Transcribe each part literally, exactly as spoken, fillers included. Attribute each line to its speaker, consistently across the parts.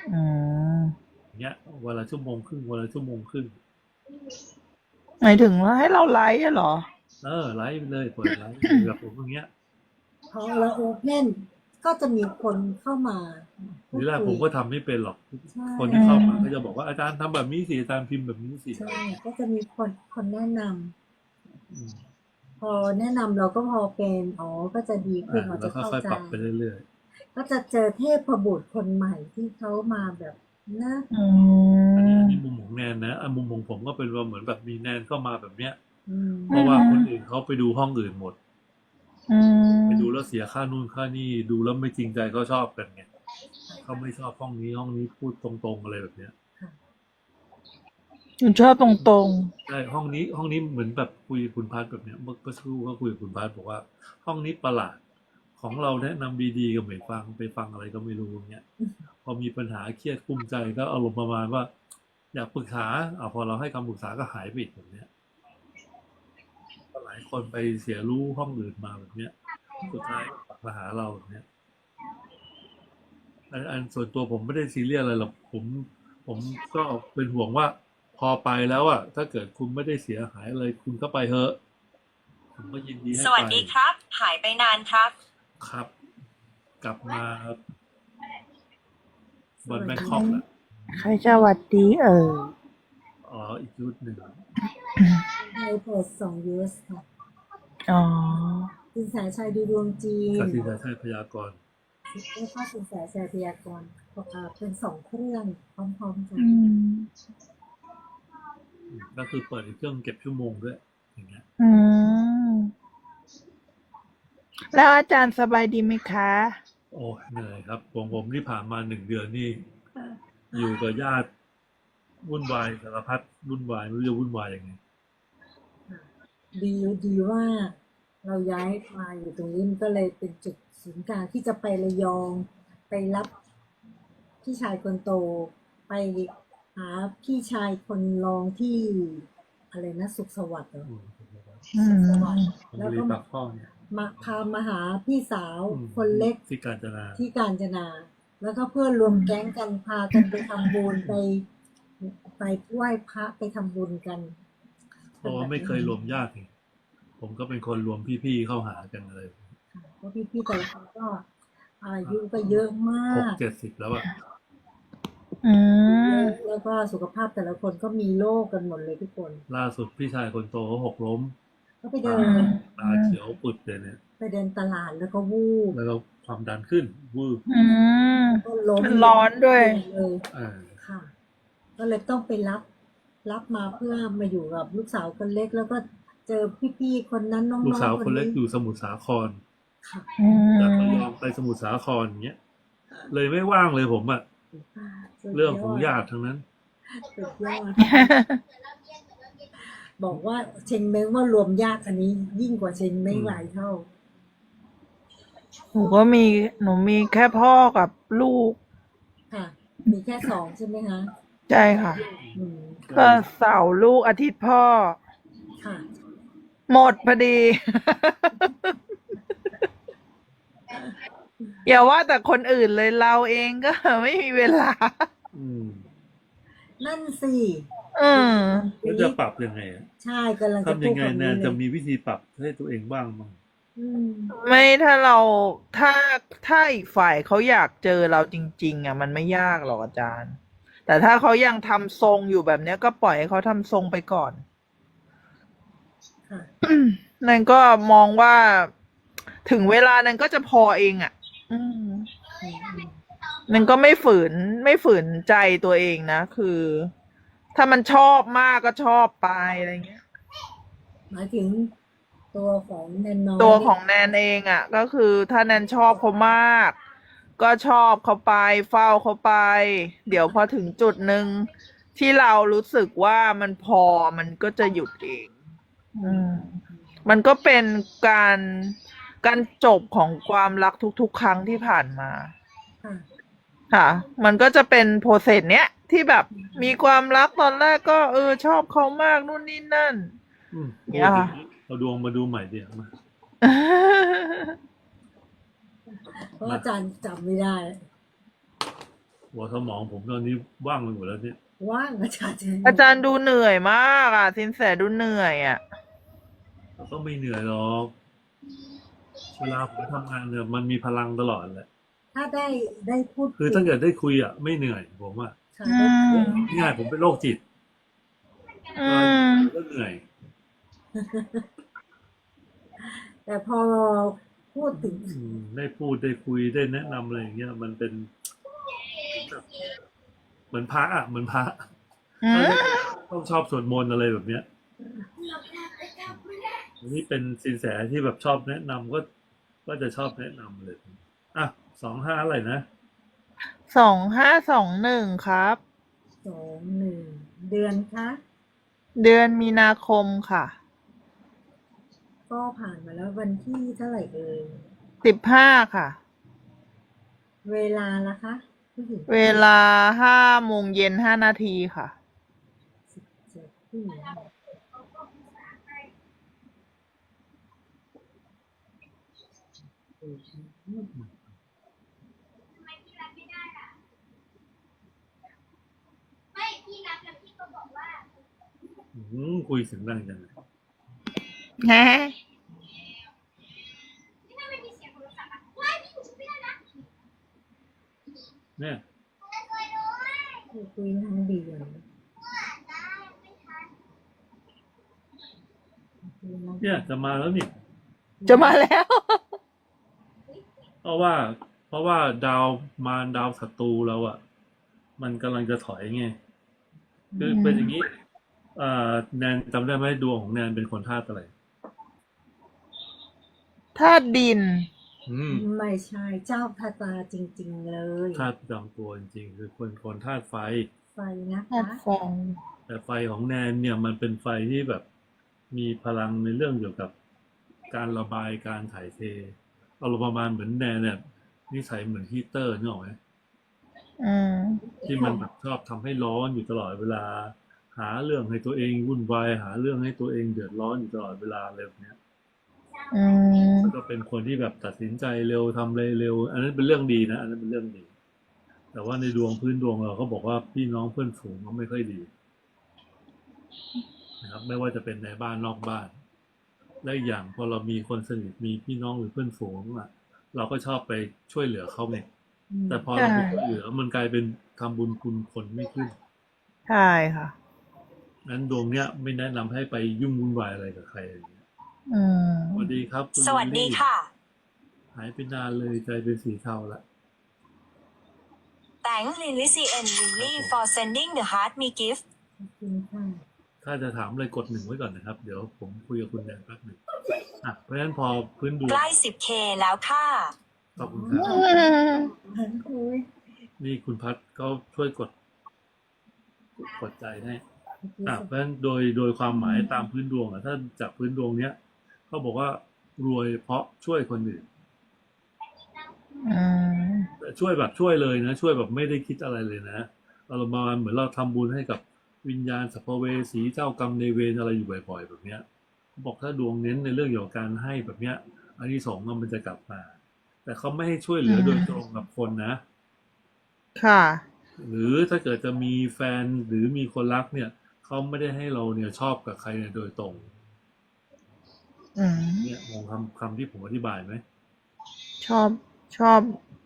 Speaker 1: อืม
Speaker 2: อย่างเงี้ยวันละชั่วโมงครึ่งวันละชั่วโมงครึ่ง
Speaker 1: หมายถึงว่าให้เราไลฟ์อะเหรอ
Speaker 2: เออไลฟ์ไปเลยเปิดไลฟ์เลยแบบผมอย่างเงี้ย
Speaker 3: พอเราโอเพนก็จะมีคนเข้ามาพู
Speaker 2: ทีแรก
Speaker 3: ดคุย
Speaker 2: ผมก็ทำไม่เป็นหรอก
Speaker 3: ใช่
Speaker 2: คนที่
Speaker 1: อื
Speaker 2: เข้ามาก็จะ
Speaker 1: ม
Speaker 2: บอกว่าอาจารย์ทำแบบนี้สิอาจารย์พิมพ์แบบนี้สิ
Speaker 3: ใช่ก็จะมีคนคนแนะน
Speaker 2: อืม
Speaker 3: ำพอแนะนำเราก็พอเป็นอ๋อก็จะดีขึ้
Speaker 2: อ่า
Speaker 3: นเรา
Speaker 2: แล้ว
Speaker 3: จะเข้าใจ
Speaker 2: ค่อยๆปรับไปเรื่อย
Speaker 3: ก็จะเจอเทพบุตรคนใหม่ที่เขามาแบบนะ
Speaker 1: อื
Speaker 2: ๆอันนี้อัน
Speaker 1: ม
Speaker 2: นี้มุมของแนนนะอันมุมของผมก็เป็นว่าเหมือนแบบมีแนนเข้ามาแบบเนี้ย
Speaker 3: อืม
Speaker 2: เพราะว่า
Speaker 1: อืม
Speaker 2: คนอื่นเขาไปดูห้องอื่นหมด
Speaker 1: อื
Speaker 2: ไปดูแล้ว
Speaker 1: ม
Speaker 2: เสียค่านู่นค่านี่ดูแล้วไม่จริงใจก็ชอบกันไงเขาไม่ชอบห้องนี้ห้องนี้พูดตรงๆอะไรแบบเนี้ย
Speaker 3: ค่ะ
Speaker 1: หนูชอบตรง
Speaker 2: ใช่ห้องนี้ห้องนี้เหมือนแบบคุยกับคุณพัทแบบเนี้ยเมื่อเมื่อสักครู่ก็คุยกับคุณพัทบอกว่าห้องนี้ประหลาดของเราแนะนำดีๆก็ไม่ฟังไปฟังอะไรก็ไม่รู้อย่างเงี้ยพอมีปัญหาเครียดกุ้มใจก็อารมณ์ประมาณว่าอยากปรึกษาอ่าพอเราให้คำปรึกษาก็หายไปอีกแบบเนี้ยก็หลายคนไปเสียรู้ห้องอื่นมาแบบเนี้ยสุดท้ายก็กลับมาหาเราแบบเนี้ยอันอันส่วนตัวผมไม่ได้ซีเรียสอะไรหรอกผมผมก็เป็นห่วงว่าพอไปแล้วอะถ้าเกิดคุณไม่ได้เสียหายอะไรคุณก็ไปเถอะ ผมก็ยินดี
Speaker 4: ส
Speaker 2: ให้ไป
Speaker 4: วัสดีครับหายไปนานครับ
Speaker 2: ครับกลับมา
Speaker 3: ส
Speaker 2: วันแบ
Speaker 3: วัสดี
Speaker 1: ๆใคร
Speaker 2: งคอกแหละ
Speaker 1: ใครจะหวัดดีเออ
Speaker 2: อ๋ออีกชุดหนึ่ง
Speaker 3: ไทยเพจสองยูเอสค่ะ
Speaker 1: อ๋อ
Speaker 3: สินแสชัยดูดวงจีน
Speaker 2: กสินชัยพยากรณ์
Speaker 3: แล้วก็สินแสชัยพยากรณ์อ่าเป็นสองเครื่องพร้อมๆกัน
Speaker 1: อืม
Speaker 2: ก็คือเปิดอีกเครื่องเก็บชั่วโมงด้วยอย่างเงี้ย
Speaker 1: อืมแล้วอาจารย์สบายดีไหมคะ
Speaker 2: โอ้เหนื่อยครับผมผมที่ผ่านมาหนึ่งเดือนนี่อยู่กับญาติวุ่นวายสารพัดวุ่นวายไม่รู้จะวุ่นวายยังไง
Speaker 3: ดีดีว่าเราย้ายมาอยู่ตรงนี้มันก็เลยเป็นจุดศูนย์กลางที่จะไประยองไปรับพี่ชายคนโตไปหาพี่ชายคนรองที่อะไรนะสุขสวัสดิ์เหรอ
Speaker 2: อืม
Speaker 1: อื
Speaker 3: สุขสวัสดิ์
Speaker 1: ม
Speaker 2: ผม
Speaker 3: แล้วก็
Speaker 2: บริปากท่อเนี่ย
Speaker 3: มาพามาหาพี่สาว
Speaker 2: อืม
Speaker 3: คนเล็ก
Speaker 2: ที่กาญจนา
Speaker 3: ที่กาญจนาแล้วก็เพื่อนรวมแก๊งกันพากันไปทำบุญไปไปไหว้พระไปทำบุญกัน
Speaker 2: เพ
Speaker 3: เป็น
Speaker 2: ราะว่า
Speaker 3: แบบนี้
Speaker 2: ไม่เคยรวมญาติไงผมก็เป็นคนรวมพี่ๆเข้าหากันเลย
Speaker 3: เพราะพี่ๆแต่ละคนก็อายุก็เยอะมาก
Speaker 2: หกเจ็ดสิบแล้วอะ
Speaker 1: อื
Speaker 3: เย
Speaker 1: ม
Speaker 3: อะแล้วก็สุขภาพแต่ละคนก็มีโรคกันหมดเลยทุกคน
Speaker 2: ล่าสุดพี่ชายคนโตเขาหกล้ม
Speaker 3: ก็ไปเดิ
Speaker 2: ตา
Speaker 3: น
Speaker 2: ตาเขียวปุดเลยเนี่ย
Speaker 3: ไปเดินตลาดแล้วก็วูบ
Speaker 2: แล้วก็ความดันขึ้นวืบ
Speaker 1: อืม
Speaker 3: ก็ล้ม
Speaker 1: มันร้อนด้วย
Speaker 3: ลงเลย
Speaker 2: อ่า
Speaker 3: ค่ะก็เลยต้องไปรับรับมาเพื่อมาอยู่กับลูกสาวคนเล็กแล้วก็เจอพี่ๆคนนั้น
Speaker 2: ลูก
Speaker 3: น้อง
Speaker 2: สาวคนเล็ก
Speaker 3: ๆคนนี้
Speaker 2: อยู่สมุทรสาคร
Speaker 3: ค่ะ
Speaker 1: อื
Speaker 2: จากระ
Speaker 1: ม
Speaker 2: ยองไปสมุทรสาครอย่างเงี้ยเลยไม่ว่างเลยผมอะ
Speaker 3: สุด
Speaker 2: เรื่อง
Speaker 3: ยอด
Speaker 2: ของญาติทั้งนั้น
Speaker 3: สุดยอดบอกว่าเชงเม้งว่ารวมญาติอันนี้ยิ่งกว่าเชงเม้
Speaker 2: อืม
Speaker 3: งหลายเท่า
Speaker 1: หนูก็มีหนูมีแค่พ่อกับลูก
Speaker 3: ค่ะมีแค่สองใช่ไหมคะ
Speaker 1: ใช่ค่ะ
Speaker 3: อืม
Speaker 1: ก็
Speaker 2: ก็เลย
Speaker 1: เสาร์ลูกอาทิตย์พ่อ
Speaker 3: ค่ะ
Speaker 1: หมดพอดี อย่าว่าแต่คนอื่นเลยเราเองก็ไม่มีเวลา
Speaker 2: อืม
Speaker 3: นั่นสิ
Speaker 1: อื
Speaker 3: ที
Speaker 1: ม
Speaker 2: แล้วจะ
Speaker 3: นี้
Speaker 2: ปรับยังไงอะ
Speaker 3: ใช่กำลังจะ
Speaker 2: ทำ
Speaker 3: พูด
Speaker 2: ยังไงแน
Speaker 3: คำนี้เลย
Speaker 2: นจะมีวิธีปรับให้ตัวเองบ้างมั้ง
Speaker 3: อืม
Speaker 1: ไม่ถ้าเราถ้าถ้าอีกฝ่ายเขาอยากเจอเราจริงๆอ่ะมันไม่ยากหรอกอาจารย์แต่ถ้าเขายังทำทรงอยู่แบบเนี้ยก็ปล่อยให้เขาทำทรงไปก่อน
Speaker 3: ค่ะ
Speaker 1: นั่นก็มองว่าถึงเวลานั้นก็จะพอเองอ่ะ อืม
Speaker 3: อืมอืม
Speaker 1: นั่นก็ไม่ฝืนไม่ฝืนใจตัวเองนะคือ ถ้ามันชอบมากก็ชอบไปอะไรเงี้ย
Speaker 3: หมายถึงตัวของแนนน้อยเนี่ย
Speaker 1: ตัวของแนนเองอ่ะก็คือถ้าแนนชอบเขามากก็ชอบเขาไปเฝ้าเขาไปเดี๋ยวพอถึงจุดหนึ่งที่เรารู้สึกว่ามันพอมันก็จะหยุดเอง
Speaker 3: อืม
Speaker 1: อืม
Speaker 3: อืม
Speaker 1: มันก็เป็นการการจบของความรักทุกๆครั้งที่ผ่านมา
Speaker 3: ค่ะ
Speaker 1: ค่ะมันก็จะเป็นโปรเซสเนี้ยที่แบบมีความรักตอนแรกก็เออชอบเขามากนู่นนี่นั่น
Speaker 2: อืมพู
Speaker 1: เนี้ยค่ะ
Speaker 2: ดอย่างนี้เอาดวงมาดูใหม่เดี๋ยวมา
Speaker 3: เพราะ
Speaker 2: มา
Speaker 3: อาจารย์จำไม่ได้
Speaker 2: หัวสมองผมตอนนี้ว่างไปหมดแล้วเนี่ย
Speaker 3: ว่างอาจารย์
Speaker 1: อาจารย์ดูเหนื่อยมากอ่ะสินแสดูเหนื่อยอ่ะ
Speaker 2: เราก็ไม่เหนื่อยหรอกเวลาผมทำงานเนี่ยมันมีพลังตลอดแหละ
Speaker 3: ถ้าได้ได้พูด
Speaker 2: คือถ้าเกิดได้คุยอ่ะไม่เหนื่อยผมว่า
Speaker 3: ค่ะ
Speaker 1: อื
Speaker 3: ได้
Speaker 1: ม
Speaker 2: ง่ายผมเป็นโรคจิต
Speaker 1: อื
Speaker 2: ก็
Speaker 1: ม
Speaker 2: ก็เหนื่อย
Speaker 3: แต่พอพูดถึง
Speaker 2: อืมได้พูดได้คุยได้แนะนำอะไรอย่างเงี้ยมันเป็นเหมือนพระอ่ะเหมือนพระ
Speaker 1: อืม
Speaker 2: ต้องชอบสวดมนต์อะไรแบบเนี้ยอันนี้เป็นสินแสที่แบบชอบแนะนำก็ก็จะชอบแนะนำเลยอ่ะสองห้าอะไรนะ
Speaker 1: สองห้าสองหนึ่งครับ
Speaker 3: สองหนึ่งเดือนคะ
Speaker 1: เดือนมีนาคมค่ะ
Speaker 3: ก็ผ่านมาแล้ววันที่เท่าไหร่เอ่ย
Speaker 1: สิบห้าค่ะ
Speaker 3: เวลาละคะผู้หญิง
Speaker 1: เวลาห้าโมงเย็นห้านาทีค่ะ
Speaker 3: สิบเจ็ดผู้หญิงอืม
Speaker 2: อืมคุยเสียงดังจังเลย
Speaker 1: ฮะ
Speaker 2: เนี่ย
Speaker 3: คุยทั้งเดือนคุยทั้ง
Speaker 2: เนี่ยจะมาแล้วนี่
Speaker 1: จะมาแล้ว
Speaker 2: เพราะว่า เพราะว่าดาวมารดาวศัตรูเราอ่ะ มันกำลังจะถอยไงคือเป็นอย่างนี้อ่าแนนจำได้ไหมดวงของแนนเป็นคนธาตุอะไร
Speaker 1: ธาตุดิน
Speaker 2: อืม
Speaker 3: ไม่ใช่เจ้าพระตาจริง ๆ เลย
Speaker 2: ธาตุประจำตัวจริงๆคือคนคนธาตุไฟ
Speaker 3: ไฟนะ
Speaker 1: ธา
Speaker 3: คะ
Speaker 1: ตุไฟ
Speaker 2: แต่ไฟของแนนเนี่ยมันเป็นไฟที่แบบมีพลังในเรื่องเกี่ยวกับการระบายการถ่ายเทเอารมณ์ประมาณเหมือนแนนเนี่ยนิสัยเหมือนฮีตเตอร์นึกออกไหม
Speaker 1: อืม
Speaker 2: ที่มันแบบชอบทำให้ร้อนอยู่ตลอดเวลา หาเรื่องให้ตัวเองวุ่นวายหาเรื่องให้ตัวเองเดือดร้อนอยู่ตลอดเวลาอะไรแบบเนี้ย
Speaker 1: อืม
Speaker 2: แล้วก็เป็นคนที่แบบตัดสินใจเร็วทำอะไรเร็ว อันนั้นเป็นเรื่องดีนะอันนั้นเป็นเรื่องดี แต่ว่าในดวงพื้นดวงเราเขาบอกว่าพี่น้องเพื่อนฝูงก็ไม่ค่อยดีนะครับไม่ว่าจะเป็นในบ้านนอกบ้าน และอีกอย่างพอเรามีคนสนิทมีพี่น้องหรือเพื่อนฝูงอ่ะ เราก็ชอบไปช่วยเหลือเขาไง
Speaker 3: อืม
Speaker 2: แต่พอเราไปช่วยเหลือมันกลายเป็นทำบุญคุณคนไม่ขึ้น
Speaker 1: ใช่ค่ะ
Speaker 2: นั้นดวงเนี้ยไม่แนะนำให้ไปยุ่งวุ่นวายอะไรกับใครอย่างเงี้ย
Speaker 1: อืม
Speaker 2: สวัสดีครับคุณ
Speaker 4: สวัส
Speaker 2: ลิล
Speaker 4: ดี
Speaker 2: ลี่
Speaker 4: ค่ะ
Speaker 2: หายไปนานเลยใจเป็นสีเทาละ
Speaker 4: Thanks Lily C N Lily for sending the heart me gift
Speaker 3: ขอบคุณค่ะ
Speaker 2: ถ้าจะถามอะไรกดหนึ่งไว้ก่อนนะครับ เดี๋ยวผมคุยกับคุณแดนแป๊บหนึ่งอ่ะเพราะฉะนั้นพอพื้นดวง
Speaker 4: ใกล้ สิบเค แล้วค่ะ
Speaker 2: ขอบคุณครับ
Speaker 3: หันคุย
Speaker 2: นี่คุณพัดก็ช่วยกดกดใจให้อ่ะเพราะฉะนั้นโดยโดยความหมายตามพื้นดวงอ่ะถ้าจากพื้นดวงเนี้ยเขาบอกว่ารวยเพราะช่วยคนอื่น
Speaker 1: อืม
Speaker 2: แต่ช่วยแบบช่วยเลยนะ ช่วยแบบไม่ได้คิดอะไรเลยนะเราประมาณเหมือนเราทำบุญให้กับวิญญาณสัพเวสีเจ้ากรรมในายเวรอะไรอยู่บ่อยๆแบบเนี้ยเขาบอกถ้าดวงเน้นในเรื่องเกี่ยวกับการให้แบบเนี้ยอานิสงส์มันจะกลับมา แต่เขาไม่ให้ช่วยเหลือโดยตรงกับคนนะ
Speaker 1: ค่ะ
Speaker 2: หรือถ้าเกิดจะมีแฟนหรือมีคนรักเนี่ยเขาไม่ได้ให้เราเนี่ยชอบกับใครเนี่ยโดยตรง
Speaker 1: อืม
Speaker 2: เนี่ยมองคำคำที่ผมอธิบายไหม
Speaker 1: ชอบ ชอบ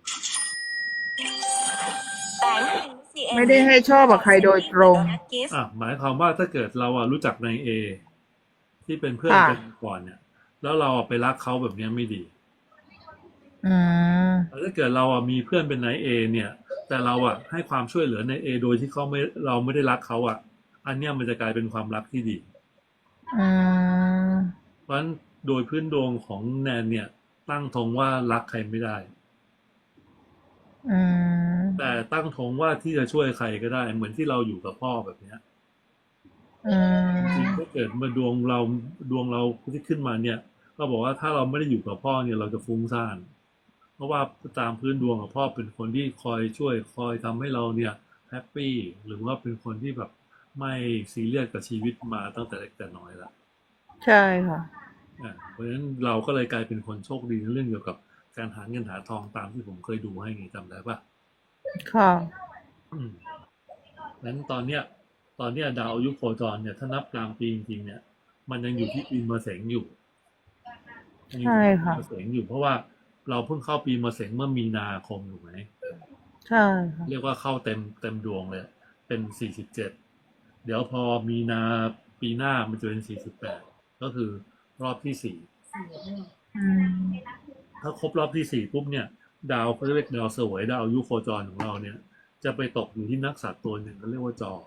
Speaker 4: Thanks Lily C N
Speaker 1: ไม่ได้ให้ชอบกับใครโดยตรง
Speaker 4: Donut gift
Speaker 2: อ่ะหมายความว่าถ้าเกิดเราอ่ะรู้จักนายเอที่เป็นเพื่อน
Speaker 1: ค่ะ
Speaker 2: กันก่อนเนี่ย แล้วเราอ่ะไปรักเขาแบบเนี้ยไม่ดี
Speaker 1: อืม
Speaker 2: แต่ถ้าเกิดเราอ่ะมีเพื่อนเป็นนายเอเนี่ย แต่เราอ่ะให้ความช่วยเหลือนายเอโดยที่เขาไม่เราไม่ได้รักเขาอ่ะ อันเนี้ยมันจะกลายเป็นความรักที่ดี
Speaker 1: อืม
Speaker 2: เพราะฉะนั้นโดยพื้นดวงของแนนเนี่ย ตั้งธงว่ารักใครไม่ได้
Speaker 1: อืม
Speaker 2: แต่ตั้งธงว่าที่จะช่วยใครก็ได้ เหมือนที่เราอยู่กับพ่อแบบเนี้ย
Speaker 1: อืม
Speaker 2: จริงๆถ้าเกิดมาดวงเราดวงเราที่ขึ้นมาเนี่ย ก็บอกว่าถ้าเราไม่ได้อยู่กับพ่อเนี่ยเราจะฟุ้งซ่าน เพราะว่าตามพื้นดวงของพ่อเป็นคนที่คอยช่วยคอยทำให้เราเนี่ยแฮปปี้หรือว่าเป็นคนที่แบบไม่ซีเรียสกับชีวิตมาตั้งแต่เล็กแต่น้อยละ
Speaker 1: ใช่ค่ะ
Speaker 2: อ่ะเพราะฉะนั้นเราก็เลยกลายเป็นคนโชคดีในเรื่องเกี่ยวกับการหาเงินหาทองตามที่ผมเคยดูให้ไงจำได้ปะ
Speaker 1: ค่ะ
Speaker 2: อืมนั้นตอนเนี้ย ตอนเนี้ยดาวอายุโคจรเนี่ย ถ้านับกลางปีจริงๆเนี่ย มันยังอยู่ที่ปีมะเสงอยู่ยังอยู่
Speaker 1: ใช่
Speaker 2: ที่ปี
Speaker 1: ค่ะ
Speaker 2: มะเสงอยู่ เพราะว่าเราเพิ่งเข้าปีมะเสงเมื่อมีนาคมถูกไหม
Speaker 1: ใช่ค่ะ
Speaker 2: เรียกว่าเข้าเต็มเต็มดวงเลย เป็นสี่สิบเจ็ดเดี๋ยวพอมีนาปีหน้ามันจะเป็นสี่สิบแปดก็คือรอบที่สี่
Speaker 3: สี่รอบ
Speaker 1: อืม
Speaker 2: ถ้าครบรอบที่สี่ปุ๊บเนี่ย ดาวเขาเรียกดาวเสวยดาวอายุโคจรของเราเนี่ย จะไปตกอยู่ที่นักษัตริย์ตัวหนึ่งเขาเรียกว่าจอ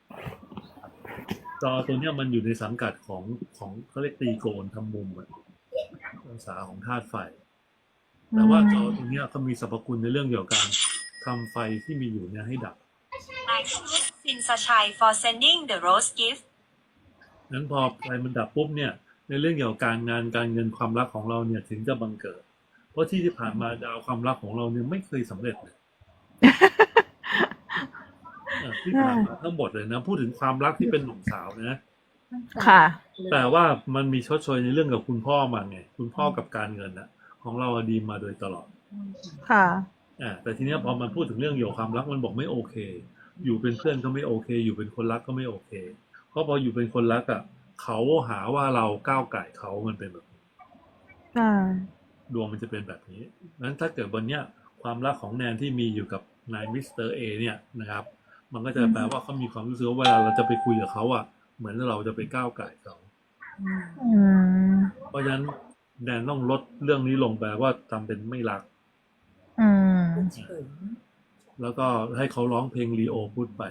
Speaker 2: จอตัวเนี้ยมันอยู่ในสังกัดของของเขาเรียกตีโกณทำมุมอะองศาของธาตุไฟ แต่ว่าจอตัวเนี้ยเขามีสรรพคุณในเรื่องเกี่ยวกับการทำไฟที่มีอยู่เนี่ยให้ดับ
Speaker 4: Sin Sachai for sending the rose gift
Speaker 2: นั้นพอไฟมันดับปุ๊บเนี่ย ในเรื่องเกี่ยวกับการงานการเงินความรักของเราเนี่ยถึงจะบังเกิด เพราะที่ที่ผ่านมาดาวความรักของเราเนี่ยไม่เคยสำเร็จเลย เออที่ผ่านมาทั้งหมดเลยนะ พูดถึงความรักที่เป็นหนุ่มสาวนะ
Speaker 3: ตั้งแต่
Speaker 1: ค่ะ
Speaker 3: เลย
Speaker 2: แต่ว่ามันมีชดเชยในเรื่องกับคุณพ่อมาไง คุณพ่อกับการเงินนะของเราดีมาโดยตลอด
Speaker 1: ค่ะ
Speaker 2: อ่าแต่ทีเนี้ยพอมันพูดถึงเรื่องเกี่ยวกับความรักมันบอกไม่โอเค อยู่เป็นเพื่อนก็ไม่โอเค อยู่เป็นคนรักก็ไม่โอเค เพราะพออยู่เป็นคนรักอ่ะเขาหาว่าเราก้าวไก่เขามันเป็นแบบนี้
Speaker 1: ใช่
Speaker 2: ดวงมันจะเป็นแบบนี้นั้นถ้าเกิดวันเนี้ยความรักของแนนที่มีอยู่กับนายมิสเตอร์เอเนี่ยนะครับ มันก็จะแปลว่าเขามีความรู้สึกว่าเวลาเราจะไปคุยกับเขาอ่ะ เหมือนเราจะไปก้าวไก่เขา
Speaker 3: อืม
Speaker 1: อืม
Speaker 2: เพราะฉะนั้นแนนต้องลดเรื่องนี้ลงแปลว่าทำเป็นไม่รัก
Speaker 1: อืม
Speaker 3: เฉย
Speaker 2: แล้วก็ให้เขาร้องเพลงลีโอพูดไป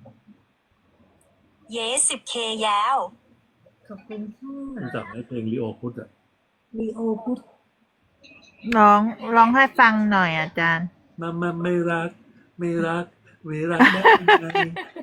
Speaker 4: เยสิบเคยาว
Speaker 3: ขอบคุณค่ะ
Speaker 2: รู้จักไหมเพลงลีโอพูดอ่ะ
Speaker 3: ลีโอพุทธ
Speaker 1: ร้องร้องให้ฟังหน่อยอาจารย์
Speaker 2: มามาไม่รัก ไม่รัก ไม่รักได้ยังไง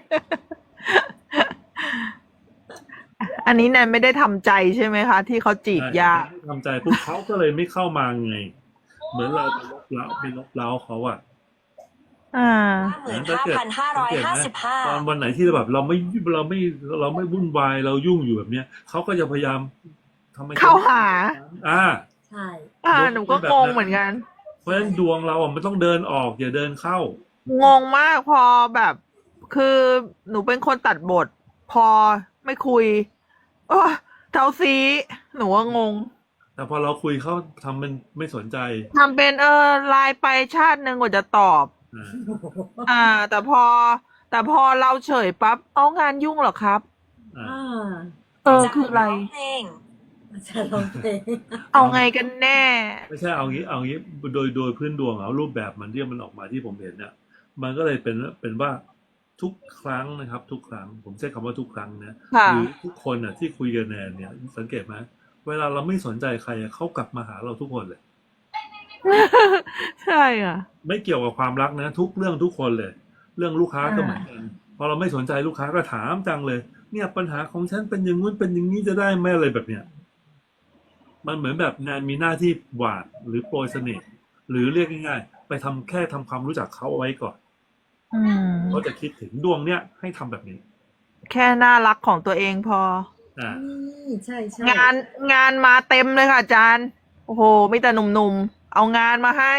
Speaker 1: อันนี้แนนไม่ได้ทำใจใช่ไหมคะ ที่เขาจีบยาก
Speaker 2: ทำใจปุ๊บเขาก็เลยไม่เข้ามาไง เหมือนเราไปลบเล้าไปลบเล้าเขาอ่ะ
Speaker 1: อ่า
Speaker 4: หมื่นห้าพันห้าร้อยห้าสิบห้า
Speaker 2: ตอนวันไหนที่แบบเราไม่เราไม่เราไม่วุ่นวายเรายุ่งอยู่แบบเนี้ยเขาก็จะพยายามทำไม
Speaker 1: เข้าหา
Speaker 2: อ่า
Speaker 3: ใช่
Speaker 1: อ่า หนูก็งงเหมือนกัน
Speaker 2: เพราะฉะนั้นดวงเราอ่ะมันต้องเดินออกอย่าเดินเข้า
Speaker 1: งงมากพอแบบ คือหนูเป็นคนตัดบท พอไม่คุยโอ้เท่าซีหนูว่างง
Speaker 2: แต่พอเราคุยเขาทำเป็นไม่สนใจ
Speaker 1: ทำเป็นเออไลน์ไปชาติหนึ่งกว่าจะตอบ
Speaker 2: อ่า
Speaker 1: อ่า แต่พอ แต่พอเราเฉยปั๊บเอางานยุ่งเหรอครับ
Speaker 2: อ่า
Speaker 3: อ่า
Speaker 1: เออคืออะไร
Speaker 4: เพลง
Speaker 3: อาจารย์ร้องเพลง
Speaker 1: เอาไงกันแน่
Speaker 2: ไม่ใช่เอางี้เอางี้โดยโดยพื้นดวงเอารูปแบบมันที่มันออกมาที่ผมเห็นเนี่ยมันก็เลยเป็นเป็นว่าทุกครั้งนะครับ ทุกครั้งผมใช้คำว่าทุกครั้งนะ
Speaker 1: ค่ะ
Speaker 2: หรือทุกคนน่ะที่คุยกันแนนเนี่ยสังเกตไหมเวลาเราไม่สนใจใครอะเขากลับมาหาเราทุกคนเลย
Speaker 1: ใช่อ่ะ
Speaker 2: ไม่เกี่ยวกับความรักนะ ทุกเรื่องทุกคนเลย เรื่องลูกค้าก็เหมือนกันพอเราไม่สนใจลูกค้าก็ถามจังเลย เนี่ยปัญหาของฉันเป็นอย่างงู้นเป็นอย่างนี้จะได้ไหมอะไรแบบเนี้ยมันเหมือนแบบแนนมีหน้าที่หวานหรือโปรยเสน่ห์หรือเรียกง่ายๆไปทำแค่ทำความรู้จักเขาเอาไว้ก่อน
Speaker 1: อืม
Speaker 2: เขาจะคิดถึงดวงเนี้ยให้ทำแบบนี้
Speaker 1: แค่น่ารักของตัวเองพอ
Speaker 2: อ่า
Speaker 3: นี่ใช่ใช่
Speaker 1: งานงานมาเต็มเลยค่ะอาจารย์ โอ้โหมีแต่หนุ่มๆ เอางานมาให้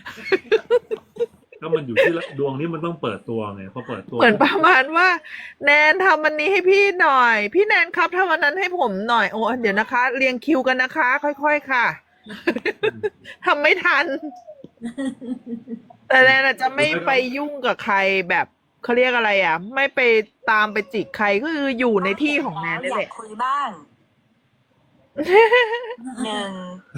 Speaker 2: ก็มันอยู่ที่ละดวงนี้มันต้องเปิดตัวไงพอเปิดตัว
Speaker 1: เหมือนประมาณว่า แนนทำอันนี้ให้พี่หน่อย พี่แนนครับทำอันนั้นให้ผมหน่อย โอ้เดี๋ยวนะคะ เรียงคิวกันนะคะ ค่อยๆค่ะ ทำไม่ทัน แต่แนนอาจจะไม่ไปยุ่งกับใครแบบเขาเรียกอะไรอ่ะ ไม่ไปตามไปจิกใครก็คืออยู่ในที่ของแนนนี่
Speaker 4: อ
Speaker 1: แห
Speaker 4: ยาก
Speaker 1: ละ
Speaker 4: คุยบ้าง หนึ่ง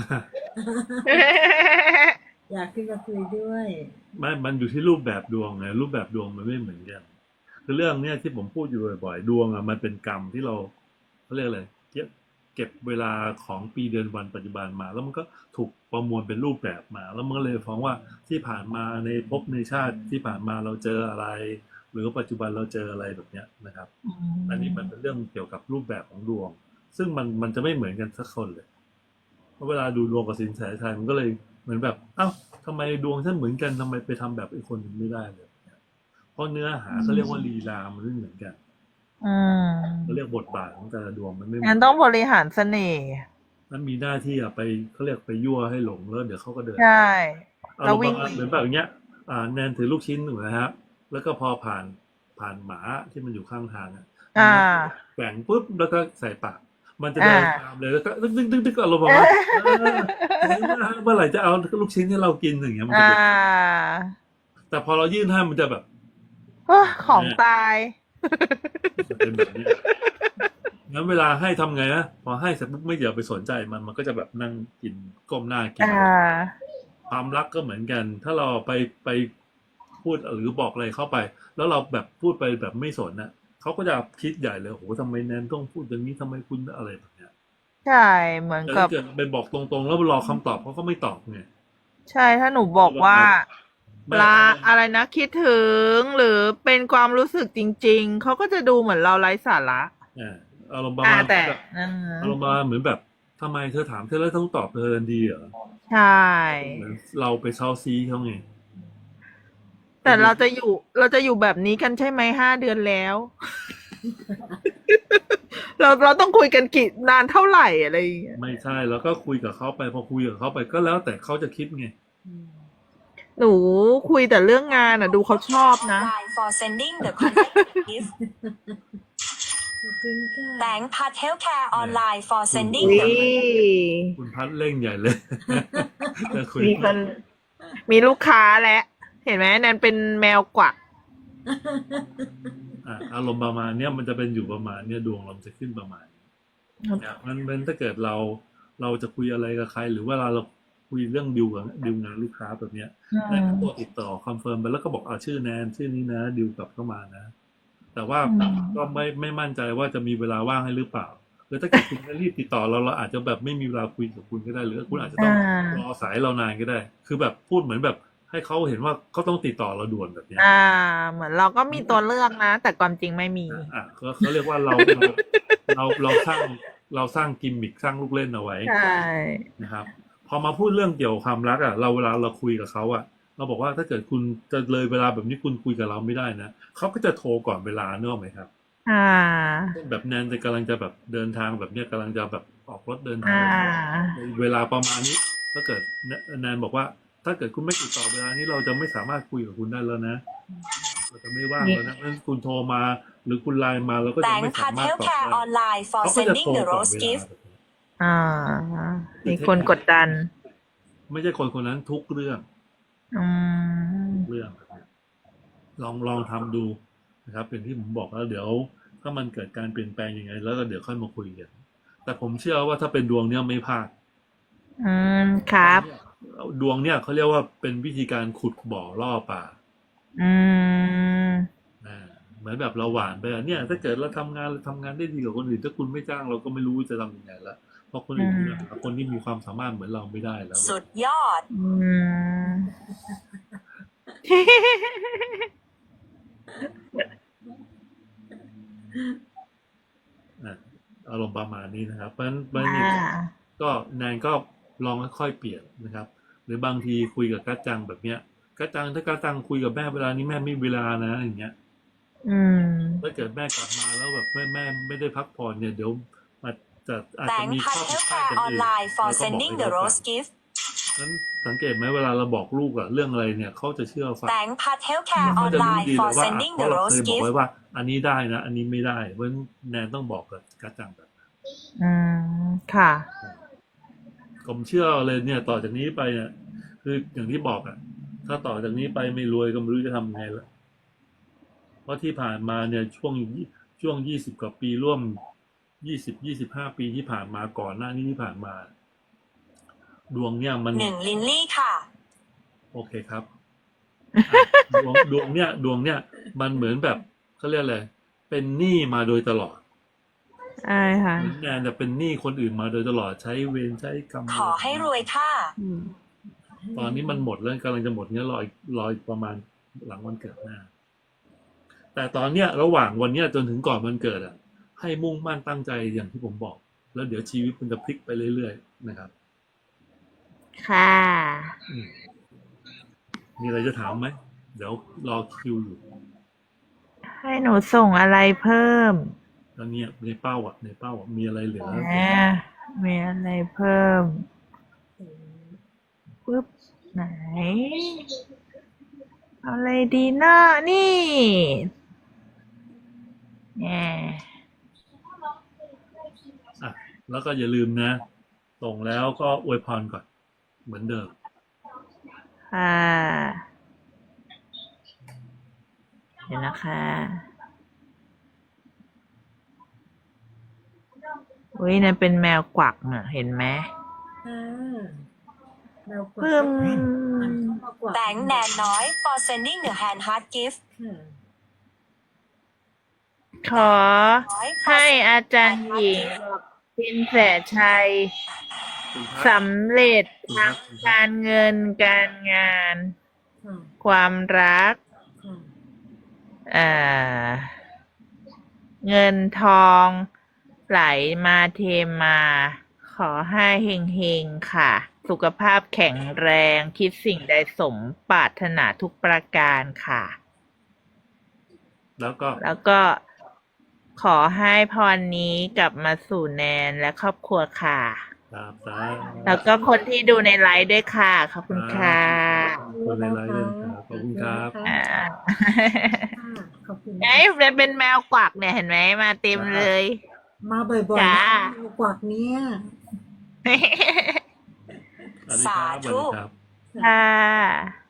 Speaker 3: อยากขึ้นมาคุยด้วย
Speaker 2: ไม่มันอยู่ที่รูปแบบดวงไงรูปแบบดวงมันไม่เหมือนกันคือเรื่องเนี้ยที่ผมพูดอยู่บ่อยๆดวงอ่ะมันเป็นกรรมที่เราเขาเรียกอะไรเก็บเก็บเวลาของปีเดือนวันปัจจุบันมา แล้วมันก็ถูกประมวลเป็นรูปแบบมา แล้วมันก็เลยฟ้องว่าที่ผ่านมาในภพในชาติที่ผ่านมาเราเจออะไร หรือปัจจุบันเราเจออะไรแบบเนี้ยนะครับ อันนี้มันเป็นเรื่องเกี่ยวกับรูปแบบของดวง ซึ่งมันมันจะไม่เหมือนกันสักคนเลยเพราะเวลาดูดวงกับสินแสชัยมันก็เลยเหมือนแบบเอ้าทำไมดวงฉันเหมือนกันทำไมไปทำแบบอีกคนหนึ่งไม่ได้เลยเพราะเนื้อหาเขาเรียกว่าลีลามันไม่เหมือนกัน
Speaker 1: อืม
Speaker 2: เขาเรียกบทบาทของแต่ละดวงมันไม่เหมื
Speaker 1: งั้
Speaker 2: อน
Speaker 1: นต้องบริหารเสน่ห์
Speaker 2: มันมีหน้าที่อะไปเขาเรียกไปยั่วให้หลงแล้วเดี๋ยวเขาก็เดิน
Speaker 1: ใช่
Speaker 2: เอา
Speaker 1: แล้ว
Speaker 2: ลง
Speaker 1: วิ่ง
Speaker 2: มาเหมือนแบบอย่างเงี้ย อ่าแนนถือลูกชิ้นถูกไหมฮะแล้วก็พอผ่านผ่านหมาที่มันอยู่ข้างทางอ่ะ
Speaker 1: อ่า
Speaker 2: แกว่งปุ๊บแล้วก็ใส่ปากมันจะ
Speaker 1: อ่า
Speaker 2: เดินตามเลยแล้วก็ตึ๊กตึ๊กตึ๊กตึ๊กอารมณ์ประมาณเออเมื่อไหร่จะเอาลูกชิ้นให้เรากินอย่างเงี้ยมันจะ
Speaker 1: อ่า
Speaker 2: เป็นแต่พอเรายื่นให้มันจะแบบ
Speaker 1: โอ้ของตาย
Speaker 2: มันเป็นแบบเนี้ยงั้นเวลาให้ทำไงนะพอให้เสร็จปุ๊บไม่เดี๋ยวไปสนใจมันมันก็จะแบบนั่งกินก้มหน้ากิน
Speaker 1: อ่า
Speaker 2: ความรักก็เหมือนกัน ถ้าเราไปไปพูดหรือบอกอะไรเข้าไป แล้วเราแบบพูดไปแบบไม่สนน่ะเขาก็จะคิดใหญ่เลยโอ้โหทำไมแนนต้องพูดอย่างนี้ทำไมคุณอะไรแบบเนี้ย
Speaker 1: ใช่เหมือน
Speaker 2: แต่
Speaker 1: กั
Speaker 2: ถ้า
Speaker 1: บ
Speaker 2: เกิดไปบอกตรงๆ แล้วรอคำตอบเขาก็ไม่ตอบไง
Speaker 1: ใช่ถ้าหนูบอกว่า
Speaker 2: ไม่
Speaker 1: ลาอะไรนะคิดถึงหรือเป็นความรู้สึกจริง ๆ เขาก็จะดูเหมือนเราไร้สาระ
Speaker 2: อ่าอารมณ์ประ
Speaker 1: อ่า
Speaker 2: มาณ
Speaker 1: แต่
Speaker 2: แบบ
Speaker 1: อ่า
Speaker 2: อารมณ์ประมาณเหมือนแบบทำไมเธอถามเธอแล้วต้องตอบเธอทันทีเหรอ
Speaker 1: ใช่
Speaker 2: เหมือนเราไปเซาซีเขาไง
Speaker 1: แต่เราจะอยู่เราจะอยู่แบบนี้กันใช่ไหมห้าเดือนแล้ว เราเราต้องคุยกันกี่นานเท่าไหร่อะไรอย่างเงี้ย
Speaker 2: ไม่ใช่แล้วก็คุยกับเขาไปพอคุยกับเขาไปก็แล้วแต่เขาจะคิดไง
Speaker 3: อืม
Speaker 1: หนูคุยแต่เรื่องงานอ่ะ ดูเขาชอบนะ
Speaker 4: Line for sending the contact gift
Speaker 3: ขอบคุณค่ะ
Speaker 4: Bank Part Healthcare Online for
Speaker 1: วิ
Speaker 4: sending the
Speaker 2: คุณพัดเร่งใหญ่เลย จะคุย
Speaker 1: มีคนมีลูกค้าแล้วเห็นไหมแนนเป็นแมวกวัก
Speaker 2: อ่ะอารมณ์ประมาณเนี้ยมันจะเป็นอยู่ประมาณเนี้ยดวงเราจะขึ้นประมาณนี้เนี่ยมันเป็นถ้าเกิดเราเราจะคุยอะไรกับใคร หรือเวลาเราคุยเรื่องดิวกับดิวงานลูกค้าแบบเนี้ย แนนก็ตัวติดต่อคอนเฟิร์มไปแล้วก็บอกเอาชื่อแนนชื่อนี้นะดิวกลับเข้ามานะ แต่ว่า
Speaker 1: อืม
Speaker 2: ก็ไม่ไม่มั่นใจว่าจะมีเวลาว่างให้หรือเปล่าหรือถ้าเกิดคุณไม่รีบติดต่อเราเราอาจจะแบบไม่มีเวลาคุยกับคุณก็ได้ หรือคุณอาจจะต้อง
Speaker 1: อ่าร
Speaker 2: อสายเรานานก็ได้ คือแบบพูดเหมือนแบบให้เขาเห็นว่าเขาต้องติดต่อเราด่วนแบบเนี้ย
Speaker 1: อ่า เหมือนเราก็มีตัวเลือกนะ แต่ความจริงไม่มี
Speaker 2: อ่ะเขาเขาเรียกว่าเราเราเราเราสร้างเราสร้างกิมมิคสร้างลูกเล่นเอาไว้
Speaker 1: ใช่
Speaker 2: นะครับ พอมาพูดเรื่องเกี่ยวกับความรักอ่ะเราเวลาเราคุยกับเขาอ่ะ เราบอกว่าถ้าเกิดคุณจะเลยเวลาแบบนี้คุณคุยกับเราไม่ได้นะเขาก็จะโทรก่อนเวลาเนกอะไหมครับ
Speaker 1: อ่า
Speaker 2: แบบแนนจะกำลังจะแบบเดินทางแบบเนี้ยกำลังจะแบบออกรถเดินทาง
Speaker 1: อ่า
Speaker 2: เวลาประมาณนี้ ถ้าเกิดแนนบอกว่า ถ้าเกิดคุณไม่ติดต่อเวลานี้เราจะไม่สามารถคุยกับคุณได้แล้วนะเราจะไม่ว่างแล้วนะเพราะฉะนั้นคุณโทรมาหรือคุณไลน์มาเราก็จะ
Speaker 4: Bank
Speaker 2: ไม่สา
Speaker 4: Part
Speaker 2: มารถตอบได้
Speaker 4: Healthcare Online for
Speaker 2: เขาก็จะ
Speaker 4: sending
Speaker 2: โทร
Speaker 4: the
Speaker 2: ก่อน
Speaker 4: rose
Speaker 2: เวลา
Speaker 4: gift
Speaker 1: อ่า มีคนกดดัน
Speaker 2: ไม่ใช่คนคนนั้นทุกเรื่อง
Speaker 1: อืม
Speaker 2: เรื่องแบบนี้ลองลองทำดูนะครับเป็นที่ผมบอกแล้วเดี๋ยวถ้ามันเกิดการเปลี่ยนแปลงยังไง แล้วก็เดี๋ยวค่อยมาคุยกันแต่ผมเชื่อว่าถ้าเป็นดวงเนี้ยไม่พลาด
Speaker 1: อืม ครับ
Speaker 2: ดวงเนี่ยเขาเรียกว่าเป็นวิธีการขุดบ่อล่อปลา
Speaker 1: อืม
Speaker 2: อ่าเหมือนแบบเราหวานไปอะเนี่ย ถ้าเกิดเราทำงานเราทำงานได้ดีกว่าคนอื่นถ้าคุณไม่จ้างเราก็ไม่รู้จะทำยังไงละเพราะคนอื่น
Speaker 1: อืม
Speaker 2: เนี่ยหาคนที่มีความสามารถเหมือนเราไม่ได้แล้ว
Speaker 4: สุดยอด
Speaker 1: อืม
Speaker 2: อ่ะอารมณ์ประมาณนี้นะครับเพราะฉะนั้นเพราะฉะนั้น
Speaker 1: อ่า
Speaker 2: เนี่ยก็แนนก็ลองค่อยๆเปลี่ยนนะครับ หรือบางทีคุยกับกัจจังแบบเนี้ยกัจจังถ้ากัจจังคุยกับแม่เวลานี้แม่ไม่มีเวลานะอย่างเงี้ย
Speaker 1: อืม
Speaker 2: ถ้าเกิดแม่กลับมาแล้วแบบแม่แม่ไม่ได้พักผ่อนเนี่ยเดี๋ยวอาจจะอาจจะ
Speaker 4: Bank
Speaker 2: มีข้อ
Speaker 4: Part
Speaker 2: ผิดพลาด
Speaker 4: Healthcare
Speaker 2: กันอื่น
Speaker 4: Online for
Speaker 2: เราก็บอก
Speaker 4: sending
Speaker 2: ให้
Speaker 4: the
Speaker 2: เขาฟัง
Speaker 4: rose gift
Speaker 2: นั้นสังเกตไหมเวลาเราบอกลูกอะเรื่องอะไรเนี่ยเขาจะเชื่อฟัง
Speaker 4: Bank Part Healthcare
Speaker 2: เขาจะรู้
Speaker 4: Online
Speaker 2: ดีเล
Speaker 4: for
Speaker 2: ยว่า
Speaker 4: sending
Speaker 2: เพ
Speaker 4: the
Speaker 2: ราะเราเค
Speaker 4: rose
Speaker 2: ยบอกไว้
Speaker 4: gift
Speaker 2: ว่า อันนี้ได้นะ อันนี้ไม่ได้เพราะฉะนั้นแนนต้องบอกกับกัจจังแบบ
Speaker 1: อืม ค่ะ
Speaker 2: ผมเชื่อเลยเนี่ย ต่อจากนี้ไปเนี่ยคืออย่างที่บอกอะถ้าต่อจากนี้ไปไม่รวยก็ไม่รู้จะทำไงละเพราะที่ผ่านมาเนี่ยช่วงช่วงยี่สิบกว่าปีร่วมยี่สิบยี่สิบห้าปีที่ผ่านมาก่อนหน้านี้ที่ผ่านมา ดวงเนี่ยมัน
Speaker 4: หนึ่งลินลี่ค่ะ
Speaker 2: โอเคครับอ่ะดวงดวงเนี่ยดวงเนี่ยมันเหมือนแบบเขาเรียกอะไรเป็นหนี้มาโดยตลอด
Speaker 1: ใช่ค่ะ
Speaker 2: เหมือนแนนจะเป็นหนี้คนอื่นมาโดยตลอดใช้เวรใช้กรรม
Speaker 4: ขอให้รวยค่ะ
Speaker 1: อืม
Speaker 2: ตอนนี้มันหมดแล้วกำลังจะหมดเนี้ยรออีกรออีกประมาณหลังวันเกิดหน้า แต่ตอนเนี้ยระหว่างวันเนี้ยจนถึงก่อนวันเกิดอ่ะ ให้มุ่งมั่นตั้งใจอย่างที่ผมบอก แล้วเดี๋ยวชีวิตมันจะพลิกไปเรื่อยๆนะครับ
Speaker 1: ค่ะ
Speaker 2: อืมมีอะไรจะถามไหมเดี๋ยวรอคิวอยู่
Speaker 1: ให้หนูส่งอะไรเพิ่ม
Speaker 2: ตอนเนี้ยในเป้าอ่ะในเป้าอ่ะมีอะไรเหลือ
Speaker 1: แหมมีอะไรเพิ่มปึ๊บ ไหนเอาอะไรดีเนาะนี่แหม
Speaker 2: อ่ะแล้วก็อย่าลืมนะ ส่งแล้วก็อวยพรก่อน เหมือนเดิม
Speaker 1: ค่ะเดี๋ยวนะคะอุ้ยนั่นเป็นแมวกวักน่ะเห็นไหม
Speaker 3: ค่ะเรากด
Speaker 1: ปึ้ม
Speaker 3: อ่านเข้ามากว่า
Speaker 4: แบงค์แนนน้อย for sending the hand heart gift
Speaker 3: ค่ะ
Speaker 1: ขอให้อาจารย์หญิงสินแสชัย
Speaker 2: คุณพัด
Speaker 1: สำเร็จทั้งการเงินการงาน
Speaker 3: ค่ะ
Speaker 1: ความรัก
Speaker 3: ค่ะ
Speaker 1: อ่าเงินทองไหลมาเทมา ขอให้เฮงๆค่ะ สุขภาพแข็งแรง คิดสิ่งใดสมปรารถนาทุกประการค่ะ
Speaker 2: แล้วก็
Speaker 1: แล้วก็ขอให้พรนี้กลับมาสู่แนนและครอบครัวค่ะ
Speaker 2: ตามสา
Speaker 1: แล้วก็คนที่ดูในไลฟ์ด้วยค่ะ ขอบคุณค่ะ
Speaker 2: คนในไลน์ด้วยนะครับขอบคุณครับ
Speaker 1: อ่า
Speaker 3: ค่ะขอบคุณ
Speaker 1: ไอ้ยเป็นแมวกวักเนี่ยเห็นไหมมาเต็มเลย
Speaker 3: มาบ่อยๆ
Speaker 1: จ้า
Speaker 3: นะกวักเนี้ย
Speaker 2: สวัสดีครับสวัสดีครับ
Speaker 1: ค่ะ